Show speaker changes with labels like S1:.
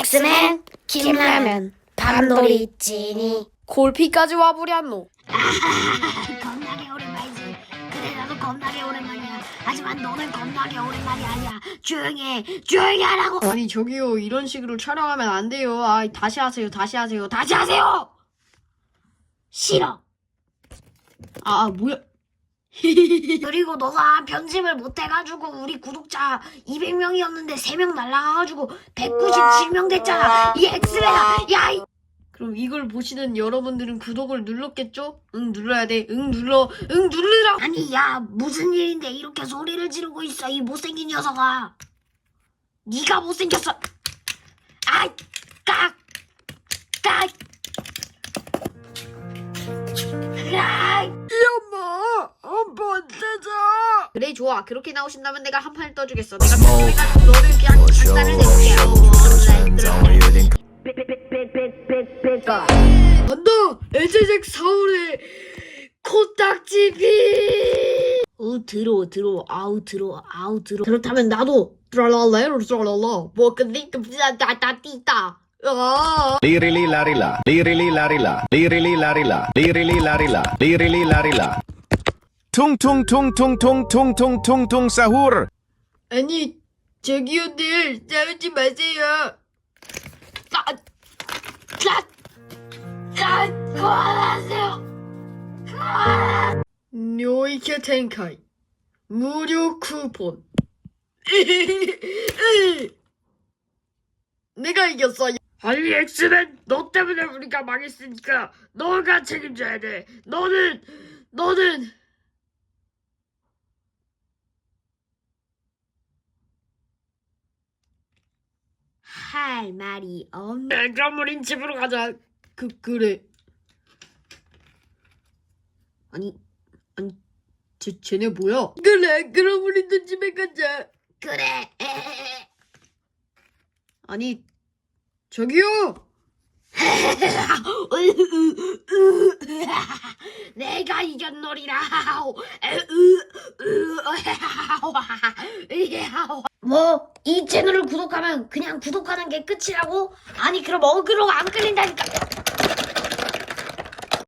S1: 엑스맨 김라면 밤놀이 찌니
S2: 골피까지 와버렸노.
S1: 겁나게 오랜만이지. 그래 나도 겁나게 오랜만이야. 하지만 너는 겁나게 오랜만이 아니야. 조용히 하라고.
S2: 아니 저기요, 이런 식으로 촬영하면 안 돼요. 아, 다시 하세요.
S1: 싫어.
S2: 뭐야.
S1: 그리고 너가 편집을 못해가지고 우리 구독자 200명이었는데 3명 날라가가지고 197명 됐잖아. 이 엑스맨아. 야 이...
S2: 그럼 이걸 보시는 여러분들은 구독을 눌렀겠죠? 응, 눌러야 돼. 응, 누르라.
S1: 아니 야 무슨 일인데 이렇게 소리를 지르고 있어 이 못생긴 녀석아. 네가 못생겼어. 아이 깍. 아이
S2: 한번 뜨자. 그래, 좋아. 그렇게 나오신다면 내가 한 판 떠주겠어. 내가 편집해가지고 너를 그냥 장난을 내볼게. 간다. 에제잭 사울의 코딱지비.
S1: 들어 아우 들어.
S2: 그렇다면 나도 트랄랄레로 트랄랄라 뭐그니까따따띠따.
S3: Lirili larila, lirili larila, lirili larila, lirili larila, lirili larila. Tung tung tung tung tung tung tung tung tung sahur.
S2: 아니 저기요들 싸우지 마세요.
S1: 그만하세요.
S2: 뇨이케 텐카이 무료 쿠폰. 내가 이겼어. 아니 엑스맨, 너 때문에 우리가 망했으니까 너가 책임져야 돼. 너는
S1: 할 말이 없네.
S2: 그럼 우린 집으로 가자. 그래. 아니 쟤네 뭐야? 그래, 그럼 우리도 집에 가자.
S1: 그래.
S2: 아니 저기요.
S1: 내가 이겼노리라. 뭐 이 채널을 구독하면 그냥 구독하는 게 끝이라고? 아니 그럼 어그로가 안 끌린다니까.